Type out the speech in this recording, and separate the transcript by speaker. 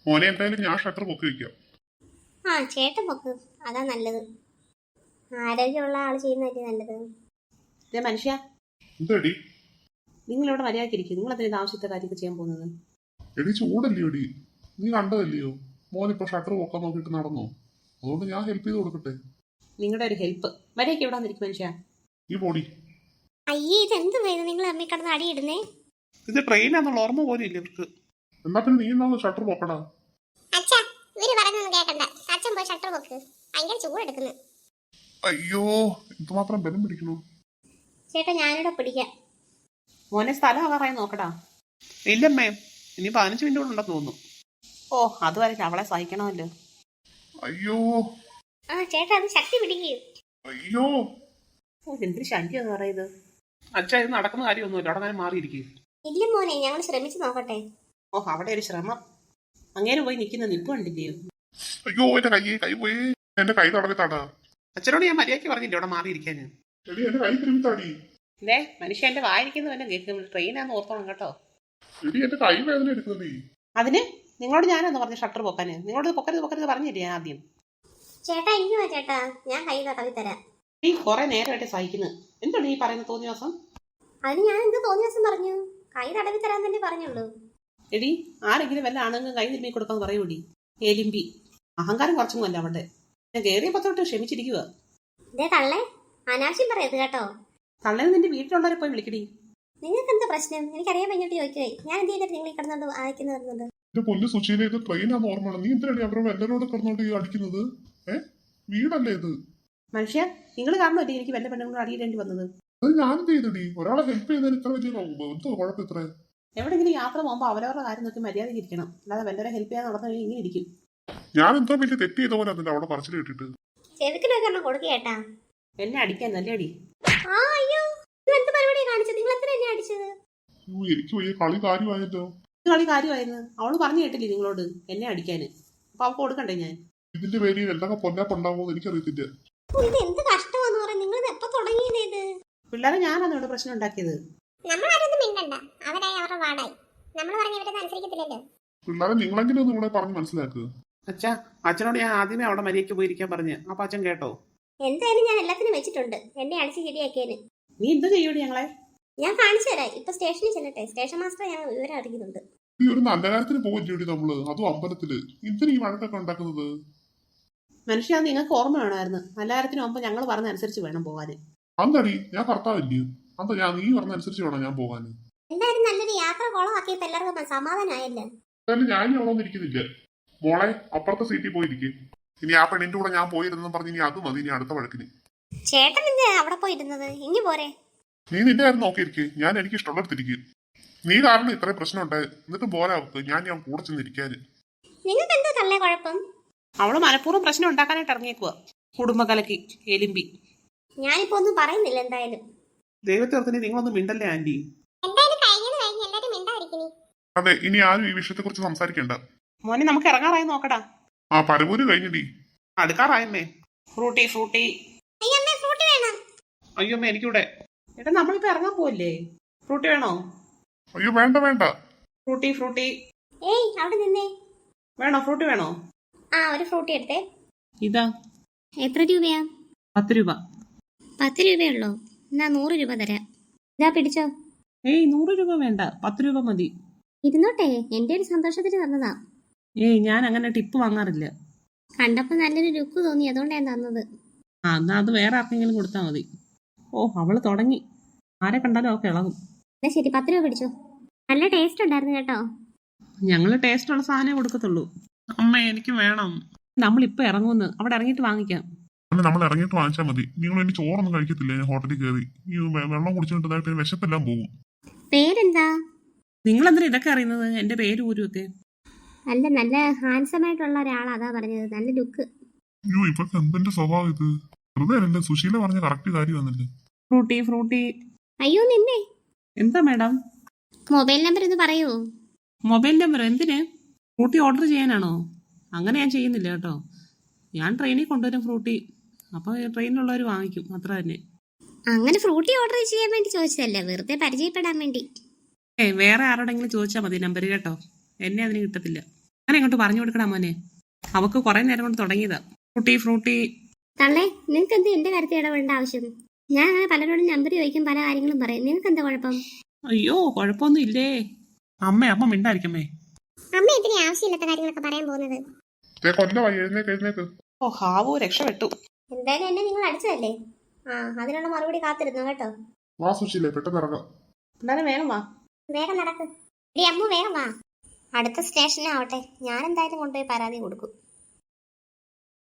Speaker 1: മോനെ എന്തായാലും ഞാൻ ഷട്ടർ പൊക്കി വെക്കാം.
Speaker 2: ആ ചേട്ടൻ പൊക്ക്, അതാ നല്ലത്. ആരോഗ്യമുള്ള ആള് ചെയ്യുന്നതല്ലേ നല്ലത്.
Speaker 3: മനുഷ്യ,
Speaker 1: എന്തടി
Speaker 3: നിങ്ങളിവിടെ മര്യാദക്കിരിക്കും. നിങ്ങൾ എന്തെങ്കിലും ആവശ്യത്തെ കാര്യമൊക്കെ ചെയ്യാൻ പോകുന്നത്?
Speaker 1: എടി ചൂടല്ലയോ എടി, നീ കണ്ടതല്ലയോ മോനിപ്പോ ഷട്ടർ പൊക്കാൻ നോക്കിയിട്ട് നടന്നോ? അതുകൊണ്ട് ഞാൻ ഹെൽപ്പ് ചെയ്ത് കൊടുക്കട്ടെ.
Speaker 3: നിങ്ങളുടെ ഒരു ഹെൽപ്പ് മര്യാദയ്ക്ക് എവിടെ വന്നിരിക്കും മനുഷ്യ.
Speaker 1: ഈ പോടി.
Speaker 2: അയ്യേ, ഇതെന്ത് വേദന നിങ്ങൾ അമ്മി കിടന്ന് അടിയിടുന്നേ.
Speaker 1: ഇത് ട്രെയിനാന്നുള്ള ഓർമ്മ പോലും ഇല്ല ഇവർക്ക്. എന്നാ പിന്നെ നീ എന്നാ ഷട്ടർ പൊക്കടാ.
Speaker 2: അച്ഛാ, ഇവര് പറയുന്നൊന്നും കേക്കണ്ട. അച്ഛൻ പോയി ഷട്ടർ പൊക്ക്, ഭയങ്കര ചൂടെടുക്കുന്നു.
Speaker 1: അയ്യോ, എന്തുമാത്രം ബലം പിടിക്കണു.
Speaker 2: ചേട്ടാ ഞാനിവിടെ പിടിക്കാം.
Speaker 3: മോനെ സ്ഥലം ആകാറായി നോക്കടാ.
Speaker 1: ഇല്ലമ്മേ, ഇനി 15 മിനിറ്റ് ഉണ്ടെന്ന് തോന്നുന്നു.
Speaker 3: ഓ, അതുവരെ അവളെ സഹിക്കണമല്ലോ.
Speaker 1: അയ്യോ
Speaker 2: ആ ചേട്ടാ, അത് ശക്തി പിടിക്കൂ.
Speaker 1: അയ്യോ,
Speaker 3: എന്തൊരു ശല്യം എന്ന് പറയുന്നത്.
Speaker 1: അച്ഛാ ഇത് നടക്കുന്ന കാര്യമൊന്നുമില്ല, അവിടെ ഞാൻ മാറിയിരിക്കും.
Speaker 2: ഇല്ല മോനെ, ഞങ്ങൾ ശ്രമിച്ചു നോക്കട്ടെ.
Speaker 3: ഓ, അവിടെ ഒരു ശ്രമം. അങ്ങനെ പോയി നിൽക്കുന്ന നിപ്പ് കണ്ടില്ലയോ?
Speaker 1: അയ്യോ എന്റെ കൈ പോയി. എന്റെ കൈ തടവി തടാ.
Speaker 3: അച്ഛനോട് ഞാൻ മര്യാദയ്ക്ക് പറഞ്ഞില്ലേ അവിടെ മാറിയിരിക്കാന്.
Speaker 1: എടി എന്റെ കൈ തിരുമ്പി തടി.
Speaker 3: ഇതേ മനുഷ്യ എന്റെ വായിരിക്കുന്ന വല്ലതും കേൾക്കും. ട്രെയിനാന്ന് ഓർത്തോണം കേട്ടോ.
Speaker 1: എടി എന്റെ കൈ വേദന എടുക്കുന്നേ.
Speaker 3: അതിന് നിങ്ങളോട് ഞാനാന്ന് പറഞ്ഞു ഷട്ടർ പൊക്കാന്. നിങ്ങളോട് പൊക്കരുത് പറഞ്ഞില്ലേ ഞാൻ ആദ്യം?
Speaker 2: ചേട്ടാ ഇനി വാ ചേട്ടാ, ഞാൻ കൈ തടവി തരാം.
Speaker 3: നീ കുറെ നേരമായിട്ട് സഹിക്കുന്നത്. എന്താണ് ഈ പറയുന്ന തോന്നിയ ദിവസം?
Speaker 2: അതിന് ഞാൻ എന്ത് തോന്നിയ ദിവസം പറഞ്ഞു? കൈ തടവി തരാൻ തന്നെ പറഞ്ഞുള്ളൂ.
Speaker 3: എടി, ആരെങ്കിലും വല്ല ആണെങ്കിലും കൈ തിരുമ്മി കൊടുക്കാന്ന് പറയൂടി. എലിമ്പി അഹങ്കാരം കുറച്ചൊന്നും അല്ല അവിടെ. ഞാൻ കയറിയപ്പോ തൊട്ട് ക്ഷമിച്ചിരിക്കുക.
Speaker 2: ഇതേ തള്ളേ, അനാവശ്യം പറയരുത് കേട്ടോ.
Speaker 3: തള്ളേന്ന് നിന്റെ വീട്ടിലുള്ളവരെ പോയി വിളിക്കടി.
Speaker 2: നിങ്ങൾക്ക് എന്താ പ്രശ്നം? എനിക്കറിയാൻ കഴിഞ്ഞിട്ട് ചോദിക്കുവേ. ഞാൻ എന്ത് ചെയ്തിട്ട് നിങ്ങൾ കിടന്നോണ്ട് അയക്കുന്നത്?
Speaker 1: എന്റെ പൊന്നു സുശീല, ഇത് ട്രെയിനാന്ന് ഓർമ്മയാണ്. നീ എന്തിനാണ് അവരുടെ എല്ലാരോട് കിടന്നോണ്ട് അടിക്കുന്നത്? വീടല്ലേ ഇത്?
Speaker 3: മനുഷ്യ, നിങ്ങൾ കാരണമല്ലേ എനിക്ക് വല്ല പെണ്ണുങ്ങളും അടിയിടേണ്ടി വന്നത്.
Speaker 1: അത് ഞാനെന്ത് ചെയ്തടി? ഒരാളെ ഹെൽപ്പ് ചെയ്തതിന് ഇത്ര വലിയ എന്തോ കുഴപ്പം ഇത്ര?
Speaker 3: എവിടെങ്കിലും യാത്ര പോകുമ്പോൾ അവരവരുടെ കാര്യം നോക്കി മര്യാദയ്ക്ക് ഇരിക്കണം. അല്ലാതെ വല്ലവരെ ഹെൽപ്പ് ചെയ്യാൻ നടന്നു കഴിഞ്ഞാൽ ഇങ്ങനെ ഇരിക്കും.
Speaker 1: ഞാൻ എന്തോ വലിയ തെറ്റ് ചെയ്ത പോലെ അതിന്റെ അവിടെ പറച്ചിൽ കേട്ടിട്ട്
Speaker 2: ചെറുക്കിനൊക്കെ കൊടുക്കേട്ടാ.
Speaker 3: എന്നെ അടിക്കാൻ നല്ല അടി.
Speaker 2: അയ്യോ, എന്ത് പരിപാടിയാണ് കാണിച്ചത്? നിങ്ങൾ എത്ര എന്നെ അടിച്ചത്?
Speaker 1: എനിക്ക് വലിയ കളി കാര്യമായല്ലോ.
Speaker 3: കളി കാര്യമായിരുന്നു. അവള് പറഞ്ഞു കേട്ടില്ലേ നിങ്ങളോട് എന്നെ അടിക്കാന്? അപ്പൊ അവൾക്ക് കൊടുക്കണ്ടേ ഞാൻ?
Speaker 1: ഇതിന്റെ പേരിൽ എന്തൊക്കെ പൊന്നാപ്പുണ്ടാവുമോ എനിക്കറിയത്തില്ല.
Speaker 2: ഇത് എന്ത് കഷ്ടമാന്ന് പറയാം. നിങ്ങൾ എപ്പോ തുടങ്ങിയത് ഇത്?
Speaker 3: പിള്ളേരെ ഞാനാണ് ഇവിടെ പ്രശ്നം ഉണ്ടാക്കിയത്.
Speaker 2: നമ്മളാരൊന്നും മിണ്ടണ്ട, അവരായി അവരുടെ വാടായി. നമ്മൾ പറഞ്ഞ ഇവരൊന്നും അനുസരിക്കത്തില്ലല്ലോ.
Speaker 1: പിള്ളേരെ നിങ്ങളെങ്കിലും ഒന്ന് ഇവിടെ പറഞ്ഞ് മനസ്സിലാക്കുക.
Speaker 3: അച്ഛാ, അച്ഛനോട് ഞാൻ ആദ്യമേ അവിടെ മര്യാദയ്ക്ക് പോയിരിക്കാൻ പറഞ്ഞു. അപ്പൊ അച്ഛൻ കേട്ടോ?
Speaker 2: എന്തായാലും ഞാൻ എല്ലാത്തിനും വെച്ചിട്ടുണ്ട്. എന്നെ അടിച്ച് ശരിയാക്കിയേന്.
Speaker 3: നീ എന്ത് ചെയ്യൂടി ഞങ്ങളെ?
Speaker 2: ഞാൻ കാണിച്ചു തരാം. ഇപ്പൊ സ്റ്റേഷനിൽ ചെല്ലട്ടെ. സ്റ്റേഷൻ മാസ്റ്റർ ഞാൻ വിവരം അറിയിക്കുന്നുണ്ട്.
Speaker 1: ഈ ഒരു നല്ല കാര്യത്തിന് പോകില്ലേ നമ്മള്, അതും അമ്പലത്തില്. എന്തിനാ ഈ വഴക്കൊക്കെ ഉണ്ടാക്കുന്നത്?
Speaker 3: മനുഷ്യ, നിങ്ങൾക്ക് ഓർമ്മ വേണമായിരുന്നു. നല്ല കാര്യത്തിന് മുമ്പ് ഞങ്ങൾ പറഞ്ഞ അനുസരിച്ച് വേണം പോകാന്.
Speaker 1: അന്തടി ഞാൻ ഭർത്താവില്ലയോ? അന്ത നീ പറഞ്ഞ അനുസരിച്ച് വേണം ഞാൻ പോകാന്.
Speaker 2: എന്തായാലും നല്ലൊരു യാത്ര കുളമാക്കിയപ്പോ എല്ലാവർക്കും സമാധാനമായല്ലേ.
Speaker 1: എന്തായാലും ഞാൻ ഇനി അവിടെ ഇരിക്കുന്നില്ല. മോളെ അപ്പുറത്തെ സീറ്റിൽ പോയിരിക്കും. ഇനി ആ പെണ്ണിന്റെ കൂടെ ഞാൻ പോയിരുന്നെന്ന് പറഞ്ഞ് ഇനി അത് മതി. ഇനി അടുത്ത വഴക്കിന്.
Speaker 2: ചേട്ടൻ എന്ത് അവിടെ പോയിരുന്നത്? ഇനി പോരെ.
Speaker 1: നീ നിന്റെ കാര്യം നോക്കിയിരിക്കും. ഞാൻ എനിക്ക് ഇഷ്ടമുള്ളടത്തിരിക്കും. നീ കാരണം ഇത്രയും പ്രശ്നം ഉണ്ടായി. എന്നിട്ട് പോരാ ഞാൻ കൂടെ ചെന്നിരിക്കാന്.
Speaker 2: നിങ്ങൾക്ക് എന്താ തള്ളേ കുഴപ്പം?
Speaker 3: അവള് മനഃപൂർവ്വം പ്രശ്നം ഉണ്ടാക്കാനായിട്ട് ഇറങ്ങിയേക്കുക. കുടുംബകലക്ക് എലിമ്പി.
Speaker 2: ഞാനിപ്പോ ഒന്നും പറയുന്നില്ല. എന്തായാലും
Speaker 1: ദൈവത്തെ നിങ്ങളൊന്നും മിണ്ടല്ലേ ആന്റി? അതെ, ഇനി ആരും ഈ വിഷയത്തെ കുറിച്ച് സംസാരിക്കണ്ട.
Speaker 3: മോനെ, നമുക്ക് ഇറങ്ങാറായി നോക്കടാ.
Speaker 1: ആ പരമൂര് കഴിഞ്ഞടി.
Speaker 3: അടുക്കാറായമ്മേ. ഫ്രൂട്ടി
Speaker 1: അയ്യോ അമ്മ എനിക്കിവിടെ.
Speaker 3: ഏട്ടാ, നമ്മളിപ്പോ ഇറങ്ങാൻ പോവല്ലേ? ഫ്രൂട്ടി വേണോ?
Speaker 1: അയ്യോ വേണ്ട.
Speaker 3: ഫ്രൂട്ടി
Speaker 2: ഏയ് അവിടെ നിന്നേ.
Speaker 3: വേണോ? ഫ്രൂട്ടി വേണോ?
Speaker 2: ആ, ഒരു ഫ്രൂട്ടി എടുത്തേ.
Speaker 3: ഇതാ.
Speaker 2: എത്ര രൂപയാ?
Speaker 3: 10 രൂപ.
Speaker 2: 10 രൂപയുള്ളോ? എന്നാ 100 രൂപ തരാം. ഇതാ പിടിച്ചോ.
Speaker 3: ഏയ് 100 രൂപ വേണ്ട, 10 രൂപ മതി.
Speaker 2: ഇരുന്നോട്ടെ, എന്റെ ഒരു സന്തോഷത്തിന് തന്നതാ.
Speaker 3: ഏയ് ഞാൻ അങ്ങനെ ടിപ്പ് വാങ്ങാറില്ല.
Speaker 2: കണ്ടപ്പോ നല്ലൊരു ലുക്ക് തോന്നി, അതുകൊണ്ടാ ഞാൻ തന്നത്.
Speaker 3: ആ, എന്നാ അത് വേറെ ആർക്കെങ്കിലും കൊടുത്താൽ മതി. ഓ, അവള് തുടങ്ങി. ആരെ കണ്ടാലും അവൾക്ക് ഇളകും.
Speaker 2: എന്നാ ശരി, 10 രൂപ പിടിച്ചോ. നല്ല ടേസ്റ്റ് ഉണ്ടായിരുന്നു കേട്ടോ.
Speaker 3: ഞങ്ങള് ടേസ്റ്റ് ഉള്ള സാധനമേ കൊടുക്കത്തുള്ളൂ.
Speaker 1: അമ്മ എനിക്ക് വേണം.
Speaker 3: നമ്മളിപ്പോ ഇറങ്ങുമെന്ന്. അവിടെ ഇറങ്ങിയിട്ട് വാങ്ങിക്കാം.
Speaker 1: നമ്മൾ ഇറങ്ങിയിട്ട് വാങ്ങിച്ചാൽ മതി. നിങ്ങൾ ഇനി ചോറൊന്നും കഴിക്കത്തില്ല. ഞാൻ ഹോട്ടലിൽ കയറി ഈ വെള്ളം കുടിച്ചിട്ടുണ്ടായിട്ട് വിശപ്പെല്ലാം പോകും.
Speaker 2: പേരെന്താ?
Speaker 3: നിങ്ങൾ എന്തിനാ ഇതൊക്കെ അറിയുന്നത്? എന്റെ പേര് ഊരുവൊക്കെ.
Speaker 2: അല്ല, നല്ല ഹാൻസം ആയിട്ടുള്ള ഒരാളാ, അതാ പറഞ്ഞത്. നല്ല ലുക്ക്.
Speaker 1: അയ്യോ ഇവർക്ക് എന്തിന്റെ സ്വഭാവം ഇത്? വെറുതെ അല്ലേ സുശീല പറഞ്ഞ കറക്റ്റ് കാര്യം വന്നില്ലേ?
Speaker 3: ഫ്രൂട്ടി.
Speaker 2: അയ്യോ നിന്നെ.
Speaker 3: എന്താ മാഡം?
Speaker 2: മൊബൈൽ നമ്പർ ഒന്ന് പറയൂ.
Speaker 3: മൊബൈൽ നമ്പർ എന്തിന്? ഫ്രൂട്ടി ഓർഡർ ചെയ്യാനാണോ? അങ്ങനെ ഞാൻ ചെയ്യുന്നില്ല കേട്ടോ. ഞാൻ ട്രെയിനിൽ കൊണ്ടുവരും ഫ്രൂട്ടി. അപ്പോൾ ട്രെയിനിലുള്ളവർ വാങ്ങിക്കും, അത്ര തന്നെ.
Speaker 2: അങ്ങനെ ഫ്രൂട്ടി ഓർഡർ ചെയ്യാൻ വേണ്ടി ചോദിച്ചതല്ലേ, വെറുതെ പരിചയപ്പെടാൻ വേണ്ടി.
Speaker 3: വേറെ ആരോടെങ്കിലും ചോദിച്ചാൽ മതി നമ്പർ കേട്ടോ. എന്നെ അതിന് കിട്ടത്തില്ല. അങ്ങനെ അങ്ങോട്ട് പറഞ്ഞു കൊടുക്കടാ മോനെ. അവക്ക് കുറെ നേരം കൊണ്ട് തുടങ്ങിയതാ ഫ്രൂട്ടി ഫ്രൂട്ടി.
Speaker 2: തള്ളേ, നിങ്ങൾക്ക് എന്ത് എന്റെ കാര്യത്തിൽ ഇടപെടേണ്ട ആവശ്യം? ഞാൻ അങ്ങനെ പലരോടും നമ്പർ ചോദിക്കും, പല കാര്യങ്ങളും പറയും. നിങ്ങൾക്ക് എന്താ കുഴപ്പം?
Speaker 3: അയ്യോ കുഴപ്പമൊന്നും ഇല്ലേ അമ്മ മിണ്ടായിരിക്കമ്മേ.
Speaker 2: അമ്മ ഇതിന് ആവശ്യമില്ലാത്ത കാര്യങ്ങളൊക്കെ പറയാൻ പോകുന്നത്.
Speaker 1: കൊല്ലമായി, എഴുന്നേക്ക്.
Speaker 3: ഓ ഹാവു രക്ഷപ്പെട്ടു.
Speaker 2: എന്തായാലും എന്നെ നിങ്ങൾ അടിച്ചതല്ലേ, അതിനുള്ള മറുപടി കാത്തിരുന്നു കേട്ടോ.
Speaker 1: വാ സുശീലേ, പെട്ടെന്ന് ഇറങ്ങാം.
Speaker 3: എന്നാലും വേഗം വാ.
Speaker 2: വേഗം നടക്ക്. അമ്മു വേഗം വാ. അടുത്ത സ്റ്റേഷനാവട്ടെ, ഞാൻ എന്തായാലും കൊണ്ടുപോയി പരാതി കൊടുക്കും.